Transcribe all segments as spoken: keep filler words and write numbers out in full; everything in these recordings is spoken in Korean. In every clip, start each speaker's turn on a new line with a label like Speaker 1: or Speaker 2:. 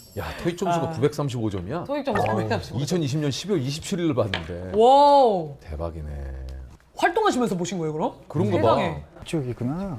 Speaker 1: 야, 토익 점수가
Speaker 2: 아.
Speaker 1: 구백삼십오 점이야?
Speaker 2: 토익 점수 구백삼십오 점.
Speaker 1: 이천이십 년 십이월 이십칠일을 봤는데.
Speaker 2: 와우.
Speaker 1: 대박이네.
Speaker 2: 활동하시면서 보신 거예요, 그럼?
Speaker 1: 그런 거
Speaker 2: 세상에.
Speaker 1: 봐.
Speaker 3: 이쪽이구나.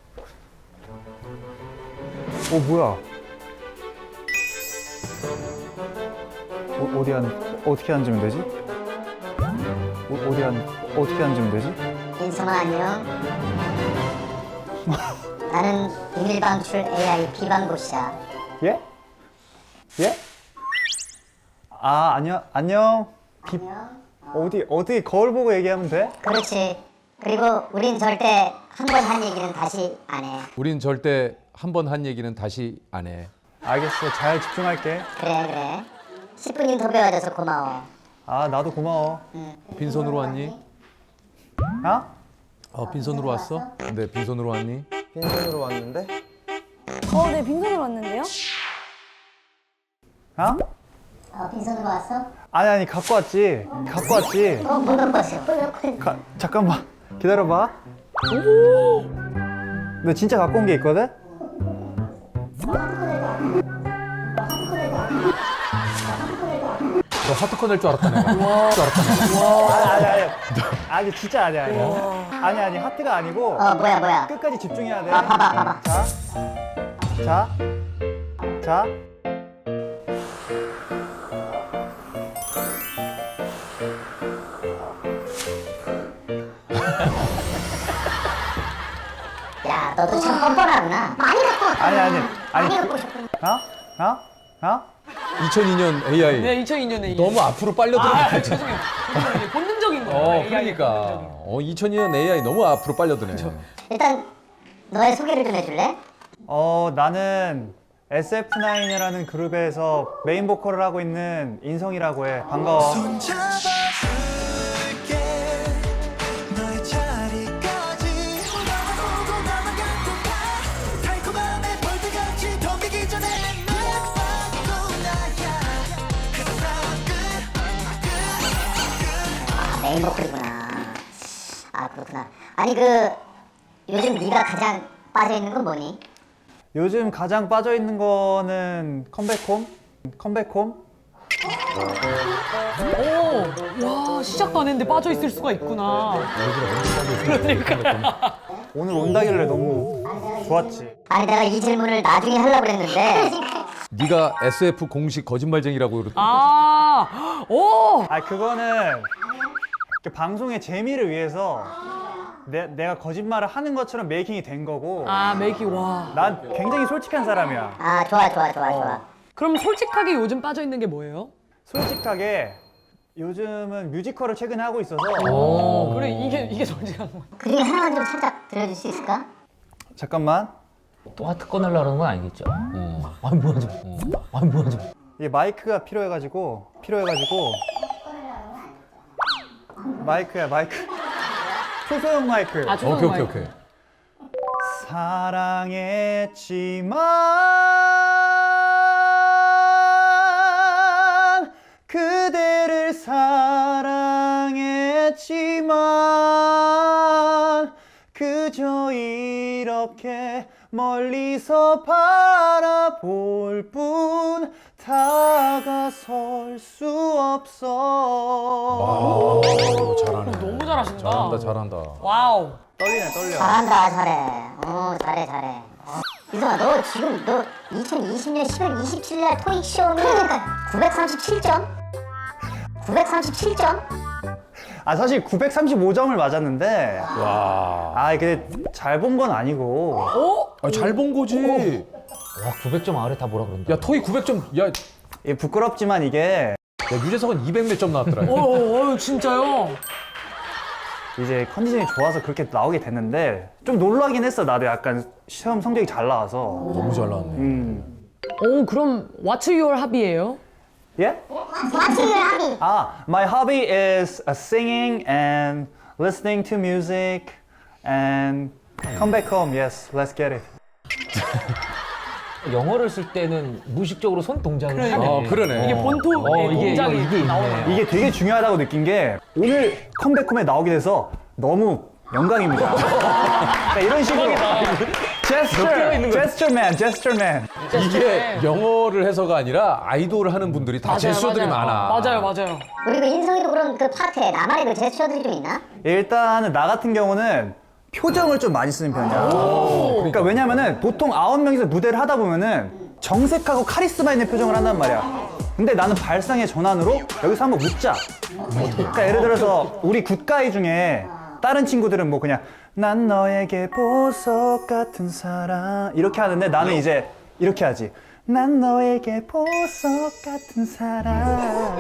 Speaker 3: 어 뭐야? 어, 어디 앉 어떻게 앉으면 되지? 어, 어디 앉 어떻게 앉으면 되지?
Speaker 4: 인성아 안녕. 나는 비밀 방출 에이아이 비방고시야.
Speaker 3: 예? 예? 아 안녕 안녕. 비, 어디 어디 거울 보고 얘기하면 돼?
Speaker 4: 그렇지. 그리고 우린 절대 한 번 한 얘기는 다시 안 해.
Speaker 1: 우린 절대 한 번 한 얘기는 다시 안 해.
Speaker 3: 알겠어. 잘 집중할게.
Speaker 4: 그래 그래. 십 분이면 더 배워줘서 고마워.
Speaker 3: 아 나도 고마워.
Speaker 1: 빈손으로 왔니?
Speaker 3: 아?
Speaker 1: 어, 빈손으로 왔어? 근데 빈손으로 왔니?
Speaker 5: 빈손으로 왔는데?
Speaker 6: 어, 네, 빈손으로 왔는데요?
Speaker 3: 아?
Speaker 4: 어, 빈손으로 왔어?
Speaker 3: 아니 아니 갖고 왔지. 갖고 왔지.
Speaker 4: 어, 못 갖고 왔어.
Speaker 3: 가, 잠깐만 기다려봐. 너 진짜 갖고 온 게 있거든?
Speaker 1: 너 하트컷 낼 줄 알았다 내가. 줄 알았다 내가.
Speaker 3: 아니 아니 아니 아니 진짜 아니 아니 아니 아니 하트가 아니고
Speaker 4: 어, 뭐야 뭐야.
Speaker 3: 끝까지 집중해야 돼.
Speaker 4: 아, 봐봐 봐봐.
Speaker 3: 자, 자, 자.
Speaker 4: 야, 너도 참 뻔뻔하구나. 많이 갖고 왔다.
Speaker 3: 아니 아니
Speaker 4: 많이
Speaker 3: 아니.
Speaker 4: 갖고 오셨구나.
Speaker 3: 어? 어? 어?
Speaker 1: 이천이 년 에이아이.
Speaker 2: 네, 이천이 년에
Speaker 1: 너무 앞으로 빨려 들어.
Speaker 2: 아, 죄송해요. 죄송해요. 본능적인 거예요.
Speaker 1: 어,
Speaker 2: 에이아이 의
Speaker 1: 그러니까.
Speaker 2: 본능적인 거.
Speaker 1: 어, 이천이 년 에이아이 너무 앞으로 빨려드네.
Speaker 4: 일단 너의 소개를 좀 해줄래?
Speaker 3: 어 나는 에스에프나인이라는 그룹에서 메인 보컬을 하고 있는 인성이라고 해. 반가워.
Speaker 4: 아, 메인 보컬이구나. 아, 그렇구나. 아니 그 요즘 네가 가장 빠져 있는 건 뭐니?
Speaker 3: 요즘 가장 빠져 있는 거는 컴백홈? 컴백홈?
Speaker 2: 오, 와, 시작도 안 했는데 빠져 있을 수가 있구나. 그러니까.
Speaker 3: 오늘 온다길래 너무 좋았지.
Speaker 4: 아니 내가 이 질문을 나중에 하려고 그랬는데
Speaker 1: 네가 에스에프 공식 거짓말쟁이라고 그러.
Speaker 2: 아, 오,
Speaker 3: 아 그거는 그 방송의 재미를 위해서 내, 내가 거짓말을 하는 것처럼 메이킹이 된 거고
Speaker 2: 아, 메이킹 와.
Speaker 3: 난 굉장히 솔직한 사람이야.
Speaker 4: 아 좋아 좋아 좋아 좋아.
Speaker 2: 그럼 솔직하게 요즘 빠져 있는 게 뭐예요?
Speaker 3: 솔직하게 요즘은 뮤지컬을 최근에 하고 있어서
Speaker 2: 오, 그래 이게 이게 솔직한 거야.
Speaker 4: 그 중에 하나만 좀 살짝 들려줄 수 있을까?
Speaker 3: 잠깐만
Speaker 7: 또 하트 꺼내려고 그러는 건 아니겠죠? 어. 아니 뭐야 좀. 어. 아니 뭐야 좀.
Speaker 3: 이게 마이크가 필요해가지고 필요해가지고 마이크야 마이크 초소형 마이크.
Speaker 2: 아,
Speaker 1: 오케이, 오케이, 오케이.
Speaker 3: 사랑했지만 그대를 사랑했지만 그저 이렇게 멀리서 바라볼 뿐 다가설 수 없어.
Speaker 1: 와, 잘하네.
Speaker 2: 너무 잘하신다.
Speaker 1: 잘한다, 잘한다.
Speaker 2: 와우.
Speaker 3: 떨리네 떨려.
Speaker 4: 잘한다 잘해. 어 잘해 잘해. 어. 이성아 너 지금 너 이천이십 년 십월 이십칠일 날 토익 시험이 구백삼십칠 점? 구백삼십칠 점?
Speaker 3: 아 사실 구백삼십오 점을 맞았는데
Speaker 1: 와.
Speaker 3: 아 이게 잘 본 건 아니고
Speaker 2: 어?
Speaker 1: 아, 잘 본 거지.
Speaker 7: 와 구백 점 아래 다 뭐라 그런다.
Speaker 1: 야, 토익 구백 점. 야, 야,
Speaker 3: 이게 부끄럽지만 이게
Speaker 1: 유재석은 이백 몇 점 나왔더라.
Speaker 2: 어, 어, 어, 진짜요?
Speaker 3: 이제 컨디션이 좋아서 그렇게 나오게 됐는데 좀 놀라긴 했어. 나도 약간 시험 성적이 잘 나와서.
Speaker 1: 너무 잘 나왔네.
Speaker 3: 음.
Speaker 2: 오, 그럼 What's your hobby예요?
Speaker 3: 예?
Speaker 4: What's your hobby?
Speaker 3: 아, my hobby is uh, singing and listening to music and come back home. Yes, let's get it.
Speaker 7: 영어를 쓸 때는 무의식적으로 손 동작을
Speaker 2: 그러니까.
Speaker 7: 하네.
Speaker 1: 어, 그러네.
Speaker 2: 이게 본토의
Speaker 7: 어, 이게,
Speaker 2: 동작이
Speaker 7: 이게, 이게
Speaker 2: 나오네요.
Speaker 7: 있네.
Speaker 3: 이게 되게 중요하다고 느낀 게 오늘 컴백홈에 나오게 돼서 너무 영광입니다. 그러니까 이런 식으로 제스처, 제스처맨, 제스처맨.
Speaker 1: 이게 영어를 해서가 아니라 아이돌을 하는 분들이 다 제스처들이
Speaker 2: 맞아요.
Speaker 1: 많아.
Speaker 2: 맞아요, 맞아요.
Speaker 4: 우리 그 인성이도 그런 그 파트에 나만의 그 제스처들이 좀 있나?
Speaker 3: 일단은 나 같은 경우는 표정을 좀 많이 쓰는 편이야. 그러니까 왜냐면은 보통 아홉 명이서 무대를 하다 보면은 정색하고 카리스마 있는 표정을 한단 말이야. 근데 나는 발상의 전환으로 여기서 한번 묻자. 그러니까 예를 들어서 우리 굿가이 중에 다른 친구들은 뭐 그냥 난 너에게 보석 같은 사랑 이렇게 하는데 나는 이제 이렇게 하지. 난 너에게 보석 같은 사랑.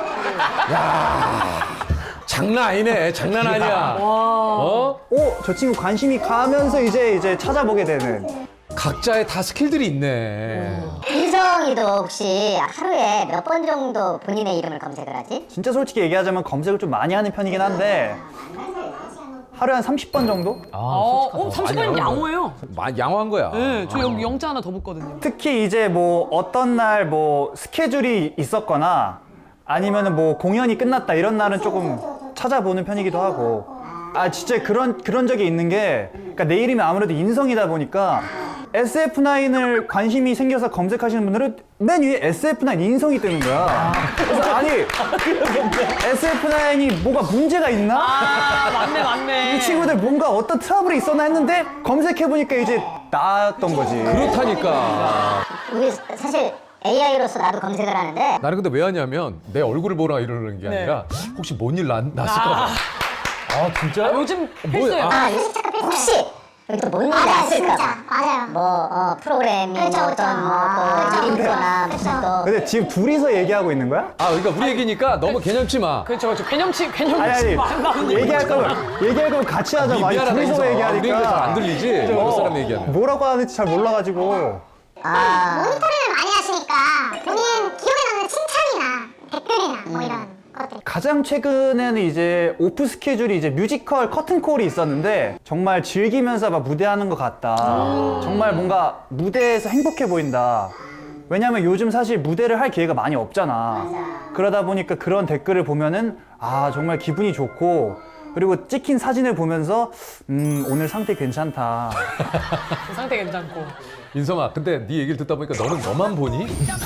Speaker 1: 장난 아니네. 장난 아니야. 어?
Speaker 3: 오, 저 친구 관심이 가면서 이제 이제 찾아보게 되는.
Speaker 1: 각자의 다 스킬들이 있네.
Speaker 4: 인성이도 혹시 하루에 몇 번 정도 본인의 이름을 검색을 하지?
Speaker 3: 진짜 솔직히 얘기하자면 검색을 좀 많이 하는 편이긴 한데 하루에 한 삼십 번 정도?
Speaker 2: 어, 어 삼십 분이면
Speaker 1: 많이
Speaker 2: 양호해요.
Speaker 1: 마- 양호한 거야.
Speaker 2: 네, 저 여기 영자 하나 더 붙거든요.
Speaker 3: 특히 이제 뭐 어떤 날 뭐 스케줄이 있었거나 아니면은 뭐 공연이 끝났다 이런 날은 조금 찾아보는 편이기도 하고 아 진짜 그런 그런 적이 있는 게 그러니까 내 이름이 아무래도 인성이다 보니까 에스에프나인을 관심이 생겨서 검색하시는 분들은 맨 위에 에스에프나인 인성이 뜨는 거야. 그래서 아니 에스에프나인이 뭐가 문제가 있나?
Speaker 2: 아, 맞네, 맞네.
Speaker 3: 이 친구들 뭔가 어떤 트러블이 있었나 했는데 검색해보니까 이제 나았던 거지.
Speaker 1: 그렇다니까.
Speaker 4: 우리 사실 에이아이로서 나도 검색을 하는데
Speaker 1: 나는 근데 왜 하냐면 내 얼굴을 보라 이러는 게
Speaker 2: 네.
Speaker 1: 아니라 혹시 뭔 일 났을까 봐. 아 진짜?
Speaker 2: 아, 요즘 필수예요.
Speaker 1: 뭐야?
Speaker 4: 아 요즘 잠깐 혹시 여기 또 뭔 일이 났을까 봐
Speaker 5: 맞아요.
Speaker 4: 뭐 어, 프로그램이
Speaker 5: 그렇죠,
Speaker 4: 뭐
Speaker 5: 그렇죠.
Speaker 4: 어떤
Speaker 5: 아,
Speaker 4: 뭐또 일인거나
Speaker 5: 그렇죠.
Speaker 4: 무슨 또
Speaker 3: 근데 지금 둘이서 얘기하고 있는 거야?
Speaker 1: 아 그러니까 우리 얘기니까 너무 개념치 마.
Speaker 2: 그렇죠, 그렇죠. 개념치,
Speaker 3: 아니
Speaker 2: 개념치 안 나오는
Speaker 3: 아니 얘기할 거면 얘기할 거면 같이 하자고. 아니
Speaker 1: 미안하다
Speaker 3: 둘이서
Speaker 1: 인성. 우리
Speaker 3: 얘기하니까
Speaker 1: 얘기 잘안 들리지? 여러 사람 얘기하면.
Speaker 3: 뭐라고 하는지 잘 몰라가지고.
Speaker 4: 아
Speaker 5: 모니터링을 많이 하시니까 본인 기억에 남는 칭찬이나 댓글이나 뭐 이런 것들.
Speaker 3: 가장 최근에는 이제 오프 스케줄이 이제 뮤지컬 커튼콜이 있었는데 정말 즐기면서 막 무대하는 것 같다. 정말 뭔가 무대에서 행복해 보인다. 왜냐면 요즘 사실 무대를 할 기회가 많이 없잖아. 그러다 보니까 그런 댓글을 보면은 아 정말 기분이 좋고 그리고 찍힌 사진을 보면서 음 오늘 상태 괜찮다.
Speaker 2: 상태 괜찮고.
Speaker 1: 인성아, 근데 네 얘기를 듣다 보니까 너는 너만 보니?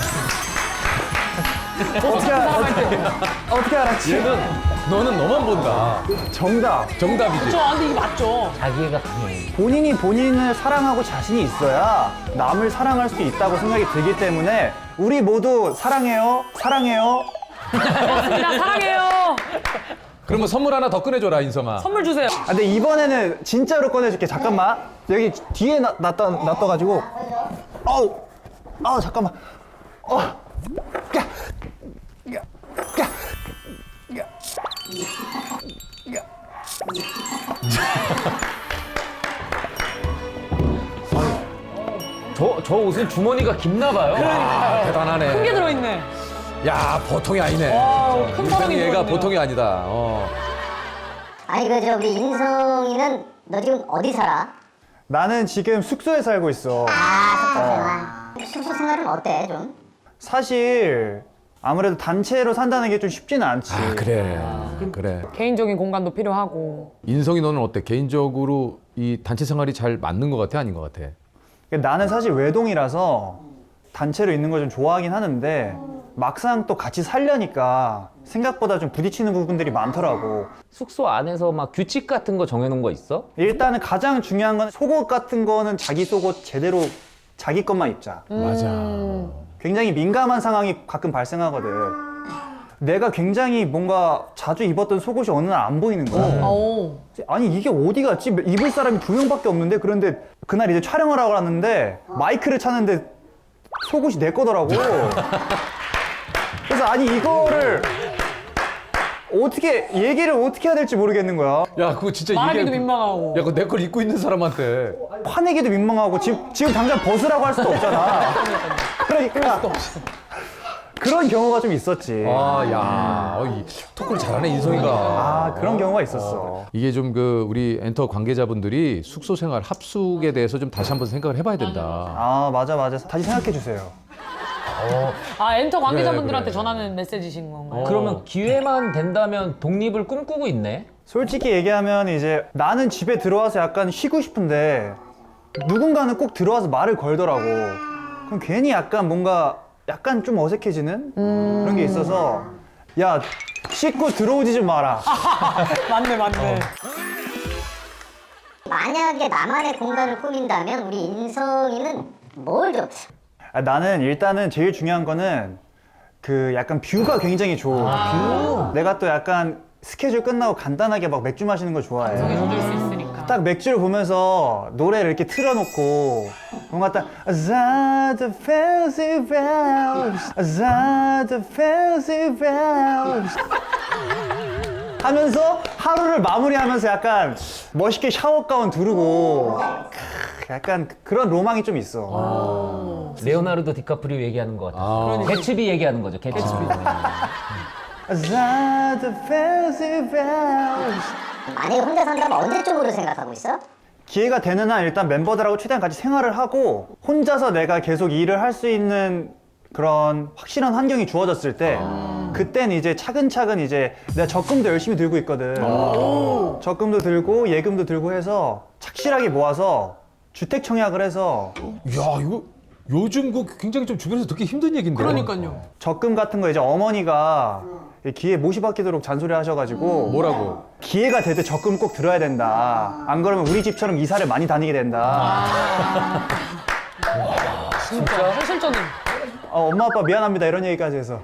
Speaker 3: 어떻게 알, 어떻게, 어떻게 알았지?
Speaker 1: 얘는 너는 너만 본다.
Speaker 3: 정답.
Speaker 1: 정답이지.
Speaker 2: 저, 아, 근데 이게 맞죠?
Speaker 7: 자기애가 강해.
Speaker 3: 본인이 본인을 사랑하고 자신이 있어야 남을 사랑할 수 있다고 생각이 들기 때문에 우리 모두 사랑해요. 사랑해요.
Speaker 2: 고맙습니다. 사랑해요.
Speaker 1: 그러면 선물 하나 더 꺼내줘라 인성아.
Speaker 2: 선물 주세요.
Speaker 3: 아, 근데 이번에는 진짜로 꺼내줄게. 잠깐만. 여기 뒤에 놔, 놨다, 놔둬가지고. 어우, 아 잠깐만. 어, 야, 야, 야, 야, 야.
Speaker 7: 저, 저 옷은 주머니가 깊나 봐요.
Speaker 1: 아, 대단하네.
Speaker 2: 큰 게 들어있네.
Speaker 1: 야 보통이 아니네.
Speaker 2: 와, 큰
Speaker 1: 인성이
Speaker 2: 사랑이
Speaker 1: 얘가
Speaker 2: 들어있네요.
Speaker 1: 보통이 아니다. 어.
Speaker 4: 아니 그저 우리 인성이는 너 지금 어디 살아?
Speaker 3: 나는 지금 숙소에 살고 있어.
Speaker 4: 아 숙소 생활 숙소 생활은 어때 좀?
Speaker 3: 사실 아무래도 단체로 산다는 게 좀 쉽지는 않지.
Speaker 1: 아 그래. 그래.
Speaker 2: 개인적인 공간도 필요하고.
Speaker 1: 인성이 너는 어때? 개인적으로 이 단체 생활이 잘 맞는 것 같아? 아닌 것 같아?
Speaker 3: 나는 사실 외동이라서 단체로 있는 걸 좀 좋아하긴 하는데 막상 또 같이 살려니까 생각보다 좀 부딪히는 부분들이 많더라고.
Speaker 7: 숙소 안에서 막 규칙 같은 거 정해놓은 거 있어?
Speaker 3: 일단은 가장 중요한 건 속옷 같은 거는 자기 속옷 제대로 자기 것만 입자.
Speaker 1: 맞아.
Speaker 3: 굉장히 민감한 상황이 가끔 발생하거든. 내가 굉장히 뭔가 자주 입었던 속옷이 어느 날 안 보이는 거야.
Speaker 2: 오.
Speaker 3: 아니 이게 어디 갔지? 입을 사람이 두 명밖에 없는데 그런데 그날 이제 촬영을 하고 왔는데 마이크를 찾는데 속옷이 내 거더라고. 그래서 아니 이거를 어떻게 얘기를 어떻게 해야 될지 모르겠는 거야.
Speaker 1: 야 그거 진짜
Speaker 2: 말하기도
Speaker 1: 이게-
Speaker 2: 민망하고.
Speaker 1: 야 그거 내 걸 입고 있는 사람한테.
Speaker 3: 화내기도 민망하고 지금 지금 당장 벗으라고 할 수도 없잖아. 그러니까 그런 경우가 좀 있었지.
Speaker 1: 아, 야, 어, 이 토크를 잘하네 인성이가.
Speaker 3: 아 그런 경우가 있었어.
Speaker 1: 이게 좀 그 우리 엔터 관계자분들이 숙소 생활 합숙에 대해서 좀 다시 한번 생각을 해봐야 된다.
Speaker 3: 아 맞아 맞아. 다시 생각해 주세요.
Speaker 2: 아, 엔터 관계자분들한테
Speaker 1: 그래.
Speaker 2: 전하는 메시지신 건가요?
Speaker 1: 어.
Speaker 7: 그러면 기회만 된다면 독립을 꿈꾸고 있네?
Speaker 3: 솔직히 얘기하면 이제 나는 집에 들어와서 약간 쉬고 싶은데 누군가는 꼭 들어와서 말을 걸더라고. 그럼 괜히 약간 뭔가 약간 좀 어색해지는 그런 게 있어서 야 씻고 들어오지 좀 마라.
Speaker 2: 맞네 맞네.
Speaker 4: 만약에 나만의 공간을 꾸민다면 우리 인성이는 뭘 좀.
Speaker 3: 아, 나는 일단은 제일 중요한 거는 그 약간 뷰가 굉장히 좋아. 뷰. 내가 또 약간 스케줄 끝나고 간단하게 막 맥주 마시는 거 좋아해.
Speaker 2: 해줄 수 있으니까.
Speaker 3: 딱 맥주를 보면서 노래를 이렇게 틀어놓고 뭔가 딱 Outside the fancy bells, outside the fancy bells 하면서 하루를 마무리하면서 약간 멋있게 샤워 가운 두르고 약간 그런 로망이 좀 있어.
Speaker 7: 레오나르도 디카프리오 얘기하는 것 같아.
Speaker 1: 아.
Speaker 7: 개츠비 얘기하는 거죠. 개츠비.
Speaker 3: Outside the fancy bells.
Speaker 4: 만약에 혼자 산다면 언제적으로 생각하고 있어?
Speaker 3: 기회가 되는 한 일단 멤버들하고 최대한 같이 생활을 하고 혼자서 내가 계속 일을 할 수 있는 그런 확실한 환경이 주어졌을 때 그땐 이제 차근차근 이제 내가 적금도 열심히 들고 있거든. 적금도 들고 예금도 들고 해서 착실하게 모아서 주택 청약을 해서
Speaker 1: 야 이거 요즘 그 굉장히 좀 주변에서 듣기 힘든 얘긴데.
Speaker 2: 그러니까요.
Speaker 3: 적금 같은 거 이제 어머니가 기회 못이 박히도록 잔소리 하셔가지고
Speaker 1: 뭐라고?
Speaker 3: 기회가 될 때 적금 꼭 들어야 된다. 안 그러면 우리 집처럼 이사를 많이 다니게 된다.
Speaker 2: 진짜 현실적인.
Speaker 3: 어, 엄마 아빠 미안합니다 이런 얘기까지 해서.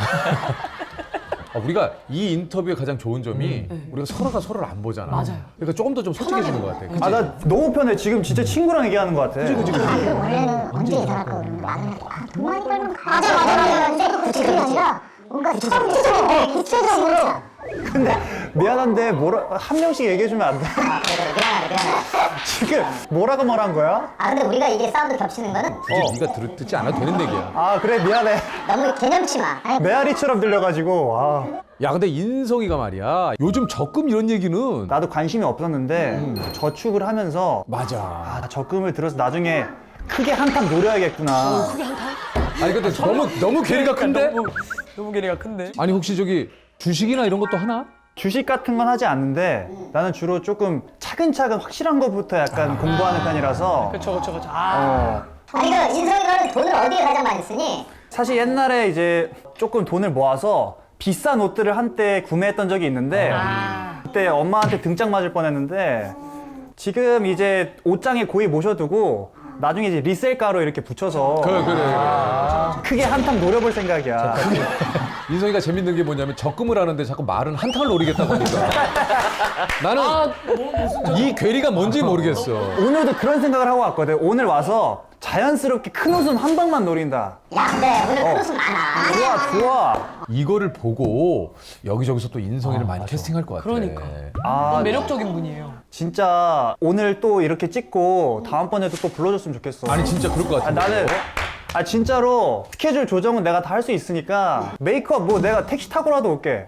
Speaker 1: 아, 우리가 이 인터뷰의 가장 좋은 점이 우리가 서로가 서로를 안 보잖아.
Speaker 2: 맞아요.
Speaker 1: 그러니까 조금 더 좀 솔직해지는 것 같아. 그치?
Speaker 3: 아 나 너무 편해. 지금 진짜 친구랑 얘기하는 것 같아.
Speaker 5: 원래는 언제 이사할 거고 나는 아, 돈 많이 벌면 가. 맞아 맞아 맞아. 근데 구체적이 아니라 뭔가 구체적으로 구체적으로.
Speaker 3: 근데 미안한데 뭐라 한 명씩 얘기해주면 안 돼?
Speaker 4: 아, 그래, 그래, 미안하다, 미안하다.
Speaker 3: 지금 뭐라고 말한 거야?
Speaker 4: 아, 근데 우리가 이게 사운드 겹치는 거는
Speaker 1: 굳이 네가 들, 듣지 않아도 되는 얘기야.
Speaker 3: 아 그래 미안해.
Speaker 4: 너무 개념치 마. 아니,
Speaker 3: 메아리처럼 들려가지고 아,
Speaker 1: 야 근데 인성이가 말이야 요즘 적금 이런 얘기는
Speaker 3: 나도 관심이 없었는데 저축을 하면서
Speaker 1: 맞아.
Speaker 3: 아 적금을 들어서 나중에 크게 한탕 노려야겠구나.
Speaker 1: 아니 근데 너무 너무 괴리가 큰데?
Speaker 2: 너무, 너무 괴리가 큰데.
Speaker 1: 아니 혹시 저기 주식이나 이런 것도 하나?
Speaker 3: 주식 같은 건 하지 않는데 나는 주로 조금 차근차근 확실한 것부터 약간 공부하는 편이라서
Speaker 2: 그쵸 그쵸 그쵸. 아.
Speaker 3: 어,
Speaker 4: 아니, 그 인성이가는 돈을 어디에 가장 많이 쓰니?
Speaker 3: 사실 옛날에 이제 조금 돈을 모아서 비싼 옷들을 한때 구매했던 적이 있는데 그때 엄마한테 등짝 맞을 뻔했는데 지금 이제 옷장에 고이 모셔두고 나중에 이제 리셀가로 이렇게 붙여서
Speaker 1: 그래 그래.
Speaker 3: 크게 한탕 노려볼 생각이야.
Speaker 1: 인성이가 재밌는 게 뭐냐면 적금을 하는데 자꾸 말은 한탕을 노리겠다고 하니까 나는 이 괴리가 뭔지 모르겠어.
Speaker 3: 오늘도 그런 생각을 하고 왔거든. 오늘 와서 자연스럽게 큰 웃음 한 방만 노린다.
Speaker 4: 야, 근데 오늘 큰 웃음 많아.
Speaker 3: 좋아 좋아.
Speaker 1: 이거를 보고 여기저기서 또 인성이를 많이 캐스팅할 것 같아.
Speaker 2: 그러니까.
Speaker 3: 아
Speaker 2: 매력적인 분이에요.
Speaker 3: 진짜 오늘 또 이렇게 찍고 다음번에도 또 불러줬으면 좋겠어.
Speaker 1: 아니 진짜 그럴 것
Speaker 3: 아,
Speaker 1: 같은데.
Speaker 3: 나는 아 진짜로 스케줄 조정은 내가 다 할 수 있으니까 메이크업 뭐 내가 택시 타고라도 올게.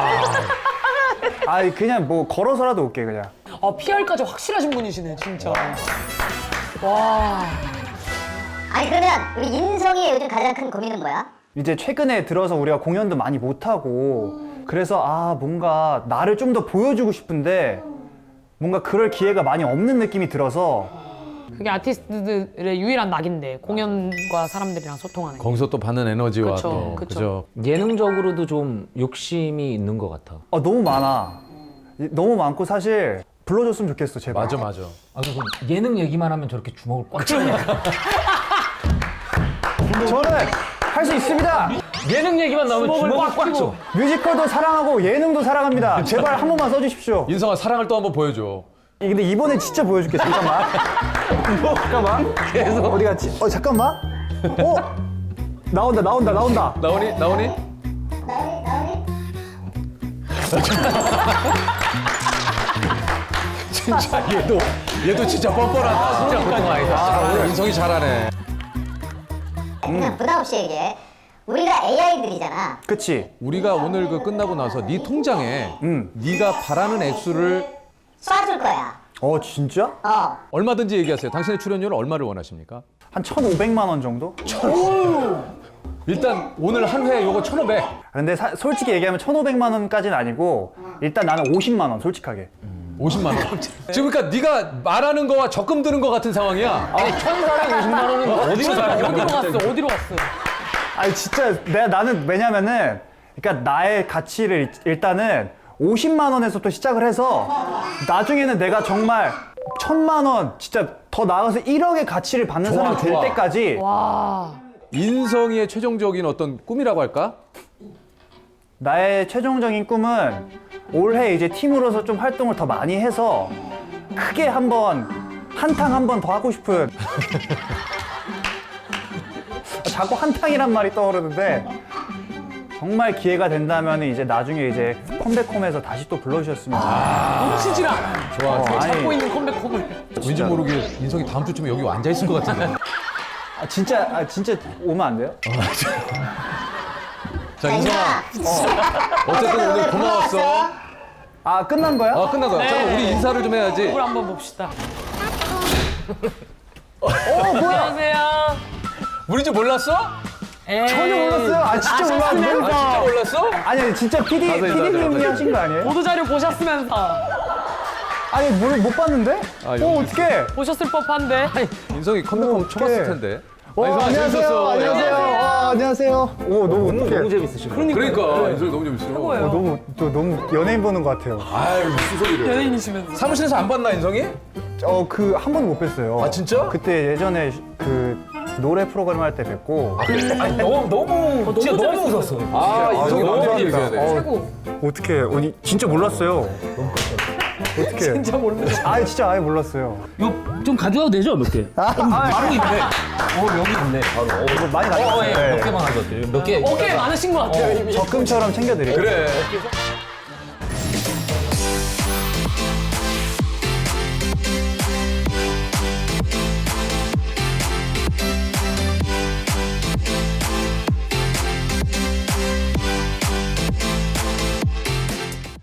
Speaker 3: 아 그냥 뭐 걸어서라도 올게 그냥.
Speaker 2: 아 피알까지 확실하신 분이시네 진짜. 와.
Speaker 4: 아니, 그러면 우리 인성이의 요즘 가장 큰 고민은 뭐야?
Speaker 3: 이제 최근에 들어서 우리가 공연도 많이 못 하고 그래서 아 뭔가 나를 좀 더 보여주고 싶은데 뭔가 그럴 기회가 많이 없는 느낌이 들어서
Speaker 2: 그게 아티스트들의 유일한 낙인데 공연과 사람들이랑 소통하는 게.
Speaker 1: 거기서 또 받는 에너지와
Speaker 2: 그쵸,
Speaker 1: 또
Speaker 2: 그쵸.
Speaker 1: 그죠.
Speaker 7: 예능적으로도 좀 욕심이 있는 것 같아.
Speaker 3: 아 너무 많아. 이- 너무 많고 사실 불러줬으면 좋겠어 제발.
Speaker 1: 맞아 맞아.
Speaker 7: 아, 그리고 예능 얘기만 하면 저렇게 주먹을 꽉 쥐니까.
Speaker 3: 저는 할 수 있습니다.
Speaker 7: 예능 얘기만 나오면 주먹을 꽉 쥐고.
Speaker 3: 뮤지컬도 사랑하고 예능도 사랑합니다. 제발 한 번만 써주십시오.
Speaker 1: 인성아 사랑을 또 한번 보여줘.
Speaker 3: 이- 근데 이번엔 진짜 보여줄게. 잠깐만. 뭐, 잠깐만. 계속 어디 갔지? 어 잠깐만. 어 나온다 나온다 나온다.
Speaker 1: 나오니 나오니? 진짜 얘도 얘도 진짜 뻔뻔하다. 진짜 보통 아니다. 아, 인성이 잘하네.
Speaker 4: 그냥 부담 없이 얘기해. 우리가 에이아이들이잖아.
Speaker 3: 그치?
Speaker 1: 우리가 오늘 그 끝나고 나서 네 통장에
Speaker 3: 음.
Speaker 1: 네가 바라는 액수를
Speaker 4: 쏴줄 거야.
Speaker 3: 어 진짜?
Speaker 4: 어.
Speaker 1: 얼마든지 얘기하세요. 당신의 출연료를 얼마를 원하십니까?
Speaker 3: 한 천오백만 원 정도?
Speaker 1: 일단 오늘 한 회 요거 천오백.
Speaker 3: 근데 사- 솔직히 얘기하면 천오백만 원까지는 아니고 일단 나는 오십만 원 솔직하게.
Speaker 1: 오십만 원. 지금 그러니까 네가 말하는 거와 적금 드는 거 같은 상황이야.
Speaker 7: 아니 천사백오십만 원은 어디로 살아?
Speaker 2: 어디로 갔어? 어디로 갔어?
Speaker 3: 아니 진짜 내가 나는 왜냐면은 그러니까 나의 가치를 일- 일단은 오십만 원에서부터 시작을 해서 나중에는 내가 정말 천만 원 진짜 더 나아가서 일억의 가치를 받는
Speaker 1: 좋아,
Speaker 3: 사람이 될
Speaker 1: 좋아.
Speaker 3: 때까지
Speaker 2: 와.
Speaker 1: 인성이의 최종적인 어떤 꿈이라고 할까?
Speaker 3: 나의 최종적인 꿈은 올해 이제 팀으로서 좀 활동을 더 많이 해서 크게 한번 한탕 한 번 더 하고 싶은 자꾸 한탕이란 말이 떠오르는데 정말 기회가 된다면 이제 나중에 이제 컴백홈에서 다시 또 불러주셨으면
Speaker 2: 놓치질 않아.
Speaker 1: 좋아.
Speaker 3: 어,
Speaker 1: 좋아.
Speaker 3: 아니,
Speaker 2: 찾고 있는 컴백홈을.
Speaker 1: 왠지 모르게 인성이 다음 주쯤에 여기 앉아 있을 것 같은데.
Speaker 3: 아, 진짜 아, 진짜 오면 안 돼요?
Speaker 1: 자, 인성아. 어쨌든 오늘 고마웠어.
Speaker 3: 아 끝난 거야?
Speaker 1: 아, 끝난 거야. 잠깐 우리 인사를 좀 해야지.
Speaker 2: 얼굴 한번 봅시다. 어, 뭐야? 안녕하세요.
Speaker 1: 우리 줄 몰랐어?
Speaker 2: 에이.
Speaker 3: 전혀 몰랐어요. 아 진짜 몰랐는데.
Speaker 1: 아, 진짜 몰랐어?
Speaker 3: 아니 아니, 진짜 피디
Speaker 1: 가서 인사하자,
Speaker 3: 피디님이
Speaker 1: 가서
Speaker 3: 하신 거 아니에요?
Speaker 2: 보도자료 보셨으면서
Speaker 3: 아니 뭘 못 봤는데?
Speaker 1: 아,
Speaker 3: 어
Speaker 1: 여기
Speaker 3: 어떻게?
Speaker 2: 보셨을 법한데.
Speaker 1: 인성이 컴백홈
Speaker 3: 어,
Speaker 1: 쳐봤을
Speaker 3: 어떡해.
Speaker 1: 텐데.
Speaker 3: 어,
Speaker 1: 아, 인성아,
Speaker 3: 안녕하세요.
Speaker 1: 재밌었어.
Speaker 3: 안녕하세요.
Speaker 1: 야.
Speaker 3: 아, 안녕하세요. 오 너무 어떡해.
Speaker 7: 너무 재밌으시고.
Speaker 1: 그러니까 인성이 너무 재밌어.
Speaker 3: 어, 너무 또 너무 연예인 보는 것 같아요.
Speaker 1: 아유, 무슨 소리를.
Speaker 2: 연예인이시면서.
Speaker 1: 사무실에서 안 봤나, 인성이?
Speaker 3: 어 그 한 번도 못 뵀어요.
Speaker 1: 아, 진짜?
Speaker 3: 그때 예전에 그 노래 프로그램 할 때 뵙고.
Speaker 7: 아니 너무 너무 진짜 너무 웃었어.
Speaker 1: 아, 인성이
Speaker 3: 너무
Speaker 1: 너무
Speaker 3: 감사합니다.
Speaker 1: 얘기해야 돼.
Speaker 3: 어,
Speaker 2: 최고.
Speaker 3: 어떻게? 아니 진짜 몰랐어요. 어떻게?
Speaker 2: 진짜 모르는 거.
Speaker 3: 아 진짜 아예 몰랐어요.
Speaker 7: 이거 좀 가져와도 되죠 몇 개?
Speaker 3: 아,
Speaker 7: 바로 있네. 어 여기 있네. 바로. 어,
Speaker 3: 이거 많이
Speaker 7: 어,
Speaker 3: 가져왔어요.
Speaker 7: 예, 몇 개만 가져왔대요. 몇 개.
Speaker 2: 어깨 많으신 것 같아요, 이미.
Speaker 3: 적금처럼 챙겨드릴게요.
Speaker 1: 그래.